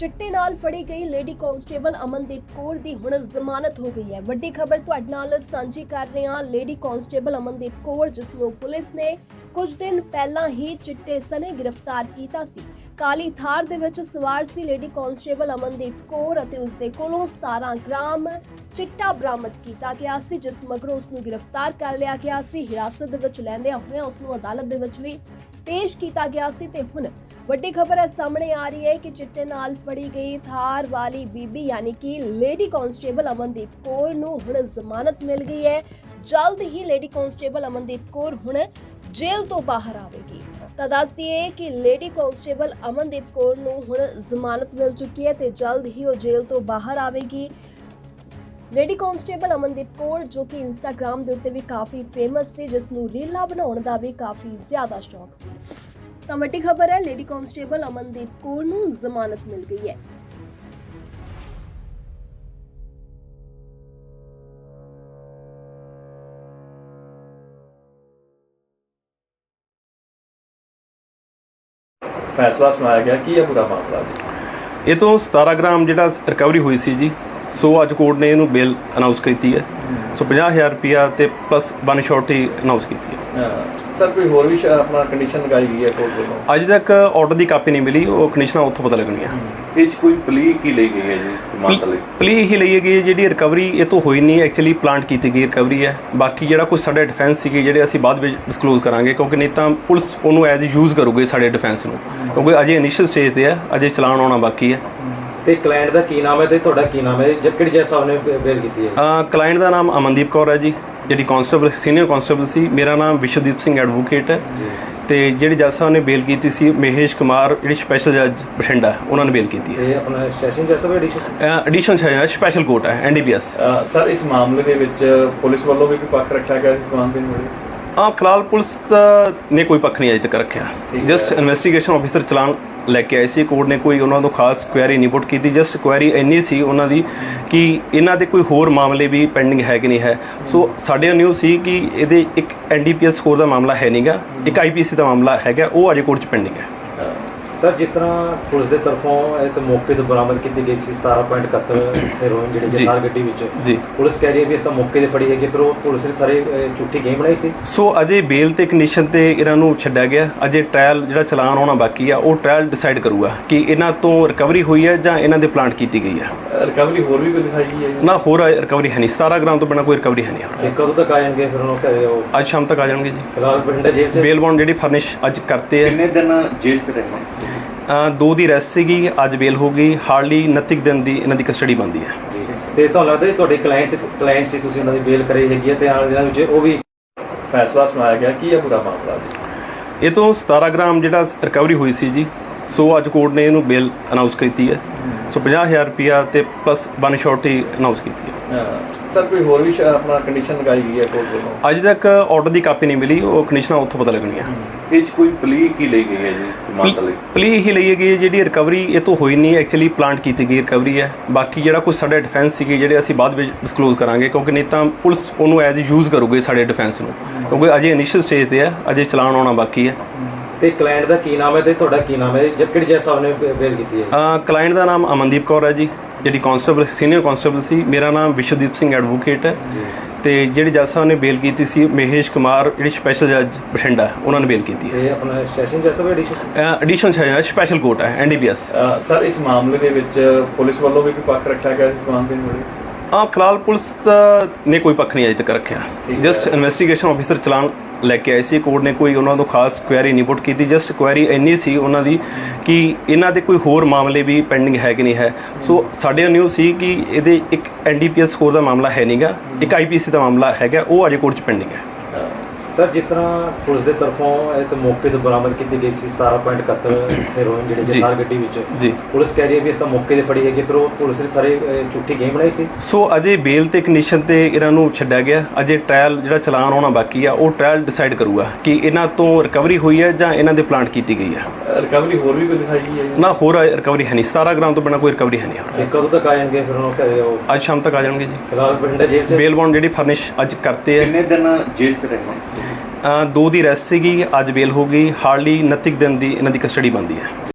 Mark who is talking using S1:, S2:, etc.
S1: चिट्टे नाल फड़ी गई लेडी कांस्टेबल अमनदीप कौर दी हुण जमानत हो गई है। वड्डी खबर तुहाडे नाल सांझी कर रहे हां। लेडी कांस्टेबल अमनदीप कौर जिस नूं पुलिस ने कुछ दिन पहला ही चिट्टे सने गिरफ्तार कीता सी। काली थार दे विच सवार सी लेडी कांस्टेबल अमनदीप कौर अते उसदे कोलों 17 ग्राम चिट्टा बरामद कीता गया सी, जिस मगरों उस नूं गिरफ्तार कर लिया गया सी। हिरासत दे विच लैंदिआं होइआं उस नूं अदालत दे विच भी पेश किया गया सी ते हुण ਵੱਡੀ खबर है सामने आ रही है कि चिट्टे नाल फड़ी गई थार वाली बीबी यानी कि लेडी कांस्टेबल अमनदीप कौर नूं हुण जमानत मिल गई है। जल्द ही लेडी कांस्टेबल अमनदीप कौर हुण जेल तो बाहर आवेगी। तो दस दिए कि लेडी कांस्टेबल अमनदीप कौर नूं हुण जमानत मिल चुकी है ते जल्द ही वो जेल तो बाहर आवेगी। लेडी कांस्टेबल अमनदीप कौर जो कि इंस्टाग्राम ਦੇ ਉੱਤੇ ਵੀ ਕਾਫੀ ਫੇਮਸ ਸੀ, ਜਿਸ ਨੂੰ ਰੀਲਾਂ ਬਣਾਉਣ ਦਾ ਵੀ ਕਾਫੀ ਜ਼ਿਆਦਾ ਸ਼ੌਕ ਸੀ। ਤਾਂ ਵੱਡੀ ਖਬਰ ਹੈ ਲੇਡੀ ਕਾਂਸਟੇਬਲ ਅਮਨਦੀਪ ਕੌਰ ਨੂੰ ਜ਼ਮਾਨਤ ਮਿਲ ਗਈ ਹੈ।
S2: फैसला सुनाया गया कि यह पूरा मामला
S3: ये तो 17 ग्राम ਜਿਹੜਾ ਰਿਕਵਰੀ ਹੋਈ ਸੀ ਜੀ। ਸੋ ਅੱਜ ਕੋਰਟ ਨੇ ਇਹਨੂੰ ਬੇਲ ਅਨਾਉਂਸ ਕੀਤੀ ਹੈ। ਸੋ 50,000 ਰੁਪਇਆ ਤੇ ਪਲੱਸ ਵਨ ਸ਼ੋਰਟੀ ਅਨਾਉਂਸ ਕੀਤੀ ਹੈ।
S2: ਸਰ ਕੋਈ ਹੋਰ ਵੀ ਆਪਣਾ ਕੰਡੀਸ਼ਨ ਲਗਾਈ ਗਈ ਹੈ ਕੋਰਟ ਵੱਲੋਂ?
S3: ਅੱਜ ਤੱਕ ਆਰਡਰ ਦੀ ਕਾਪੀ ਨਹੀਂ ਮਿਲੀ, ਉਹ ਕੰਡੀਸ਼ਨਾਂ ਉੱਥੋਂ ਪਤਾ ਲੱਗਣੀਆਂ।
S4: ਇਹ 'ਚ ਕੋਈ ਪਲੀ ਕੀ ਲਈ ਗਈ ਹੈ ਜੀ ਜ਼ਮਾਨਤ ਲਈ?
S3: ਪਲੀ ਹੀ ਲਈ ਗਈ ਹੈ। ਜਿਹੜੀ ਰਿਕਵਰੀ ਇਹ ਤੋਂ ਹੋਈ ਨਹੀਂ, ਐਕਚੁਅਲੀ ਪਲਾਂਟ ਕੀਤੀ ਗਈ ਰਿਕਵਰੀ ਹੈ। ਬਾਕੀ ਜਿਹੜਾ ਕੁਝ ਸਾਡੇ ਡਿਫੈਂਸ ਸੀਗੇ ਜਿਹੜੇ ਅਸੀਂ ਬਾਅਦ ਵਿੱਚ ਡਿਸਕਲੋਜ਼ ਕਰਾਂਗੇ, ਕਿਉਂਕਿ ਨਹੀਂ ਤਾਂ ਪੁਲਿਸ ਉਹਨੂੰ ਐਜ਼ ਯੂਜ਼ ਕਰੂਗੀ ਸਾਡੇ ਡਿਫੈਂਸ ਨੂੰ, ਕਿਉਂਕਿ ਅਜੇ ਇਨੀਸ਼ੀਅਲ ਸਟੇਜ ਤੇ ਹੈ, ਅਜੇ ਚਲਾਨ ਆਉਣਾ ਬਾਕੀ ਹੈ।
S5: ਤੇ ਕਲਾਇੰਟ ਦਾ ਕੀ ਨਾਮ ਹੈ ਤੇ ਤੁਹਾਡਾ ਕੀ ਨਾਮ ਹੈ? ਕਿਹੜੀ ਜੱਜ ਸਾਹਿਬ ਨੇ ਬੇਲ ਕੀਤੀ ਹੈ?
S3: ਕਲਾਇੰਟ ਦਾ ਨਾਮ ਅਮਨਦੀਪ ਕੌਰ ਹੈ ਜੀ, ਜਿਹੜੀ ਕਾਂਸਟੇਬਲ ਸੀਨੀਅਰ ਕਾਂਸਟੇਬਲ ਸੀ। ਮੇਰਾ ਨਾਮ ਵਿਸ਼ਵਦੀਪ ਸਿੰਘ ਐਡਵੋਕੇਟ ਹੈ ਤੇ ਜਿਹੜੀ ਜੱਜ ਸਾਹਿਬ ਨੇ ਬੇਲ ਕੀਤੀ ਸੀ ਮਹੇਸ਼ ਕੁਮਾਰ, ਜਿਹੜੀ ਸਪੈਸ਼ਲ ਜੱਜ ਬਠਿੰਡਾ, ਉਹਨਾਂ ਨੇ ਬੇਲ ਕੀਤੀ ਹੈ।
S5: ਇਹ ਆਪਣਾ ਸੈਸ਼ਨ ਜੱਜ ਸਾਹਿਬ
S3: ਐਡੀਸ਼ਨ ਸਪੈਸ਼ਲ ਕੋਰਟ ਹੈ ਐਨਡੀਪੀਐਸ।
S2: ਸਰ ਇਸ ਮਾਮਲੇ ਦੇ ਵਿੱਚ ਪੁਲਿਸ ਵੱਲੋਂ ਵੀ ਕੋਈ ਪੱਖ ਰੱਖਿਆ ਗਿਆ ਇਸ ਮਾਮਲੇ ਨੂੰ?
S3: ਫਿਲਹਾਲ ਪੁਲਿਸ ਨੇ ਕੋਈ ਪੱਖ ਨਹੀਂ ਅਜੇ ਤੱਕ ਰੱਖਿਆ। ਜਸਟ ਇਨਵੈਸਟੀਗੇਸ਼ਨ ਆਫਿਸਰ ਚਲਾਨ ਲੈ ਕੇ ਆਏ ਸੀ। ਕੋਰਟ ਨੇ ਕੋਈ ਉਹਨਾਂ ਤੋਂ ਖਾਸ ਕੁਐਰੀ ਨਹੀਂ ਪੁੱਟ ਕੀਤੀ। ਜਸਟ ਕੁਐਰੀ ਇੰਨੀ ਸੀ ਉਹਨਾਂ ਦੀ ਕਿ ਇਹਨਾਂ ਦੇ ਕੋਈ ਹੋਰ ਮਾਮਲੇ ਵੀ ਪੈਂਡਿੰਗ ਹੈ ਕਿ ਨਹੀਂ ਹੈ। ਸੋ ਸਾਡੇ ਨਿਊ ਸੀ ਕਿ ਇਹਦੇ ਇੱਕ ਐਨਡੀਪੀਐਸ ਸਕੋਰ ਦਾ ਮਾਮਲਾ ਹੈ ਨਹੀਂਗਾ, ਇੱਕ ਆਈਪੀਸੀ ਦਾ ਮਾਮਲਾ ਹੈਗਾ, ਉਹ ਅਜੇ ਕੋਰਟ 'ਚ ਪੈਂਡਿੰਗ ਹੈ।
S5: ਸਰ ਜਿਸ ਤਰ੍ਹਾਂ ਪੁਲਿਸ ਦੇ ਤਰਫੋਂ ਇਹ ਤੇ ਮੌਕੇ ਤੋਂ ਬਰਾਮਦ ਕੀਤੀ ਗਈ ਸੀ 17.71 ਹੈਰੋਇਨ ਜਿਹੜੀ ਥਾਰ ਗੱਡੀ ਵਿੱਚ
S3: ਜੀ,
S5: ਪੁਲਿਸ ਕਹਿ ਰਹੀ ਹੈ ਵੀ ਇਸ ਤਾਂ ਮੌਕੇ ਤੇ ਫੜੀ ਹੈਗੀ, ਪਰ ਉਹ ਪੁਲਿਸ ਨੇ ਸਾਰੇ ਝੂਠੀ ਗੇਮ ਬਣਾਈ ਸੀ।
S3: ਸੋ ਅਜੇ ਬੇਲ ਤੇ ਕੰਡੀਸ਼ਨ ਤੇ ਇਹਨਾਂ ਨੂੰ ਛੱਡਿਆ ਗਿਆ। ਅਜੇ ਟ੍ਰਾਇਲ ਜਿਹੜਾ ਚਲਾਨ ਆਉਣਾ ਬਾਕੀ ਆ, ਉਹ ਟ੍ਰਾਇਲ ਡਿਸਾਈਡ ਕਰੂਗਾ ਕਿ ਇਹਨਾਂ ਤੋਂ ਰਿਕਵਰੀ ਹੋਈ ਹੈ ਜਾਂ ਇਹਨਾਂ ਦੇ ਪਲਾਂਟ ਕੀਤੀ ਗਈ ਹੈ।
S2: ਰਿਕਵਰੀ ਹੋਰ ਵੀ ਕੋਈ ਦਿਖਾਈ ਗਈ ਹੈ?
S3: ਨਾ, ਹੋਰ ਰਿਕਵਰੀ ਹੈ ਨਹੀਂ। 17 ਗ੍ਰਾਮ ਤੋਂ ਬਿਨਾਂ ਕੋਈ ਰਿਕਵਰੀ ਹੈ ਨਹੀਂ।
S5: ਤੇ ਕਦੋਂ ਤੱਕ ਆ ਜਾਣਗੇ ਫਿਰ ਉਹ ਘਰੇ? ਉਹ
S3: ਅੱਜ ਸ਼ਾਮ ਤੱਕ ਆ ਜਾਣਗੇ ਜੀ।
S5: ਫਿਲਹਾਲ ਬਠਿੰਡਾ ਜੇਲ੍ਹ 'ਚ
S3: ਬੇਲ ਬੌਂਡ ਜਿਹੜੀ ਫਰਨਿਸ਼ ਅੱਜ ਕਰਤੇ
S4: ਕਿੰਨੇ ਦਿਨ ਜੇਲ੍ਹ 'ਚ ਰਹਿਣਾ?
S3: 2 ਦੀ ਰੈਸਟ ਸੀਗੀ, ਅੱਜ ਬੇਲ ਹੋ ਗਈ। ਹਾਰਡਲੀ 29 ਦਿਨ ਦੀ ਇਹਨਾਂ ਦੀ ਕਸਟਡੀ ਬਣਦੀ ਹੈ।
S5: ਤੇ ਤੁਹਾਨੂੰ ਲੱਗਦਾ ਤੁਹਾਡੇ ਕਲਾਇੰਟ ਸੀ, ਤੁਸੀਂ ਉਹਨਾਂ ਦੀ ਬੇਲ ਕਰਾਈ ਹੈਗੀ ਹੈ ਤੇ ਆਉਣ ਦਿਨਾਂ ਵਿੱਚ ਉਹ ਵੀ
S2: ਫੈਸਲਾ ਸੁਨਾਇਆ ਗਿਆ ਕਿ ਇਹ ਪੂਰਾ ਮਾਮਲਾ?
S3: ਇਹ ਤੋਂ 17 ਗ੍ਰਾਮ ਜਿਹੜਾ ਰਿਕਵਰੀ ਹੋਈ ਸੀ ਜੀ। ਸੋ ਅੱਜ ਕੋਰਟ ਨੇ ਇਹਨੂੰ ਬੇਲ ਅਨਾਉਂਸ ਕੀਤੀ ਹੈ। ਸੋ 50,000 ਰੁਪਇਆ ਤੇ ਪਲੱਸ ਵਨ ਸ਼ੋਰਟੀ ਅਨਾਉਂਸ ਕੀਤੀ ਹੈ।
S2: ਸਰ ਕੋਈ ਹੋਰ ਵੀ ਆਪਣਾ ਕੰਡੀਸ਼ਨ ਲਗਾਈ ਗਈ ਹੈ ਕੋਰਟ ਵੱਲੋਂ?
S3: ਅੱਜ ਤੱਕ ਆਰਡਰ ਦੀ ਕਾਪੀ ਨਹੀਂ ਮਿਲੀ, ਉਹ ਕੰਡੀਸ਼ਨਾਂ ਉੱਥੋਂ ਪਤਾ ਲੱਗਣੀਆਂ।
S4: ਇਹ 'ਚ ਕੋਈ ਪਲੀ ਕੀ ਲਈ ਗਈ ਹੈ ਜੀ ਜ਼ਮਾਨਤ ਲਈ?
S3: ਪਲੀ ਹੀ ਲਈ ਗਈ ਹੈ। ਜਿਹੜੀ ਰਿਕਵਰੀ ਇਹ ਤੋਂ ਹੋਈ ਨਹੀਂ, ਐਕਚੁਅਲੀ ਪਲਾਂਟ ਕੀਤੀ ਗਈ ਰਿਕਵਰੀ ਹੈ। ਬਾਕੀ ਜਿਹੜਾ ਕੁਝ ਸਾਡੇ ਡਿਫੈਂਸ ਸੀਗੇ ਜਿਹੜੇ ਅਸੀਂ ਬਾਅਦ ਵਿੱਚ ਡਿਸਕਲੋਜ਼ ਕਰਾਂਗੇ, ਕਿਉਂਕਿ ਨਹੀਂ ਤਾਂ ਪੁਲਿਸ ਉਹਨੂੰ ਐਜ਼ ਯੂਜ਼ ਕਰੂਗੀ ਸਾਡੇ ਡਿਫੈਂਸ ਨੂੰ, ਕਿਉਂਕਿ ਅਜੇ ਇਨੀਸ਼ੀਅਲ ਸਟੇਜ ਤੇ ਹੈ, ਅਜੇ ਚਲਾਨ ਆਉਣਾ ਬਾਕੀ ਹੈ।
S5: ਤੇ ਕਲਾਇੰਟ ਦਾ ਕੀ ਨਾਮ ਹੈ ਤੇ ਤੁਹਾਡਾ ਕੀ ਨਾਮ ਹੈ? ਕਿਹੜੀ ਜੱਜ ਸਾਹਿਬ ਨੇ ਬੇਲ ਕੀਤੀ ਹੈ?
S3: ਕਲਾਇੰਟ ਦਾ ਨਾਮ ਅਮਨਦੀਪ ਕੌਰ ਹੈ ਜੀ, ਜਿਹੜੀ ਕਾਂਸਟੇਬਲ ਸੀਨੀਅਰ ਕਾਂਸਟੇਬਲ ਸੀ। ਮੇਰਾ ਨਾਮ ਵਿਸ਼ਵਦੀਪ ਸਿੰਘ ਐਡਵੋਕੇਟ ਹੈ ਤੇ ਜਿਹੜੀ ਜੱਜ ਸਾਹਿਬ ਨੇ ਬੇਲ ਕੀਤੀ ਸੀ ਮਹੇਸ਼ ਕੁਮਾਰ, ਜਿਹੜੀ ਸਪੈਸ਼ਲ ਜੱਜ ਬਠਿੰਡਾ, ਉਹਨਾਂ ਨੇ ਬੇਲ ਕੀਤੀ ਹੈ।
S5: ਇਹ ਆਪਣਾ ਸੈਸ਼ਨ ਜੱਜ ਸਾਹਿਬ
S3: ਐਡੀਸ਼ਨ ਸਪੈਸ਼ਲ ਕੋਰਟ ਹੈ ਐਨਡੀਪੀਐਸ।
S2: ਸਰ ਇਸ ਮਾਮਲੇ ਦੇ ਵਿੱਚ ਪੁਲਿਸ ਵੱਲੋਂ ਵੀ ਕੋਈ ਪੱਖ ਰੱਖਿਆ ਗਿਆ ਇਸ ਮਾਮਲੇ ਨੂੰ?
S3: ਫਿਲਹਾਲ ਪੁਲਿਸ ਨੇ ਕੋਈ ਪੱਖ ਨਹੀਂ ਅਜੇ ਤੱਕ ਰੱਖਿਆ। ਜਸਟ ਇਨਵੈਸਟੀਗੇਸ਼ਨ ਆਫਿਸਰ ਚਲਾਨ ਲੈ ਕੇ ਆਏ ਸੀ। ਕੋਰਟ ਨੇ ਕੋਈ ਉਹਨਾਂ ਤੋਂ ਖਾਸ ਕੁਐਰੀ ਨਹੀਂ ਪੁੱਟ ਕੀਤੀ। ਜਸਟ ਕੁਐਰੀ ਇੰਨੀ ਸੀ ਉਹਨਾਂ ਦੀ ਕਿ ਇਹਨਾਂ ਦੇ ਕੋਈ ਹੋਰ ਮਾਮਲੇ ਵੀ ਪੈਂਡਿੰਗ ਹੈ ਕਿ ਨਹੀਂ ਹੈ। ਸੋ ਸਾਡੇ ਨਿਊ ਸੀ ਕਿ ਇਹਦੇ ਇੱਕ ਐਨਡੀਪੀਐਸ ਸਕੋਰ ਦਾ ਮਾਮਲਾ ਹੈ ਨਹੀਂਗਾ, ਇੱਕ ਆਈਪੀਸੀ ਦਾ ਮਾਮਲਾ ਹੈਗਾ, ਉਹ ਅਜੇ ਕੋਰਟ 'ਚ ਪੈਂਡਿੰਗ ਹੈ।
S5: ਸਰ ਜਿਸ ਤਰ੍ਹਾਂ ਪੁਲਿਸ ਦੇ ਤਰਫੋਂ ਇਹ ਤੇ ਮੌਕੇ ਤੋਂ ਬਰਾਮਦ ਕੀਤੀ ਗਈ ਸੀ 17.71 ਹੈਰੋਇਨ ਜਿਹੜੀ ਥਾਰ ਗੱਡੀ ਵਿੱਚ
S3: ਜੀ,
S5: ਪੁਲਿਸ ਕਹਿ ਰਹੀ ਹੈ ਵੀ ਇਸ ਤਾਂ ਮੌਕੇ ਤੇ ਫੜੀ ਹੈਗੀ, ਪਰ ਉਹ ਪੁਲਿਸ ਨੇ ਸਾਰੇ ਝੂਠੀ ਗੇਮ ਬਣਾਈ ਸੀ।
S3: ਸੋ ਅਜੇ ਬੇਲ ਤੇ ਕੰਡੀਸ਼ਨ ਤੇ ਇਹਨਾਂ ਨੂੰ ਛੱਡਿਆ ਗਿਆ। ਅਜੇ ਟ੍ਰਾਇਲ ਜਿਹੜਾ ਚਲਾਨ ਆਉਣਾ ਬਾਕੀ ਆ, ਉਹ ਟ੍ਰਾਇਲ ਡਿਸਾਈਡ ਕਰੂਗਾ ਕਿ ਇਹਨਾਂ ਤੋਂ ਰਿਕਵਰੀ ਹੋਈ ਹੈ ਜਾਂ ਇਹਨਾਂ ਦੇ ਪਲਾਂਟ ਕੀਤੀ ਗਈ ਹੈ।
S2: ਰਿਕਵਰੀ ਹੋਰ ਵੀ ਕੋਈ ਦਿਖਾਈ ਗਈ ਹੈ?
S3: ਨਾ, ਹੋਰ ਰਿਕਵਰੀ ਹੈ ਨਹੀਂ। 17 ਗ੍ਰਾਮ ਤੋਂ ਬਿਨਾਂ ਕੋਈ ਰਿਕਵਰੀ ਹੈ ਨਹੀਂ।
S5: ਤੇ ਕਦੋਂ ਤੱਕ ਆ ਜਾਣਗੇ ਫਿਰ ਉਹ ਘਰੇ? ਉਹ
S3: ਅੱਜ ਸ਼ਾਮ ਤੱਕ ਆ ਜਾਣਗੇ ਜੀ।
S5: ਫਿਲਹਾਲ ਬਠਿੰਡਾ ਜੇਲ੍ਹ 'ਚ
S3: ਬੇਲ ਬੌਂਡ ਜਿਹੜੀ ਫਰਨਿਸ਼ ਅੱਜ ਕਰਤੇ
S4: ਕਿੰਨੇ ਦਿਨ ਜੇਲ੍ਹ 'ਚ ਰਹਿਣਾ?
S3: 2 ਦੀ ਰੈਸਟ ਸੀਗੀ, ਅੱਜ ਬੇਲ ਹੋ ਗਈ। ਹਾਰਡਲੀ 29 ਦਿਨ ਦੀ ਇਹਨਾਂ ਦੀ ਕਸਟਡੀ ਬਣਦੀ ਹੈ।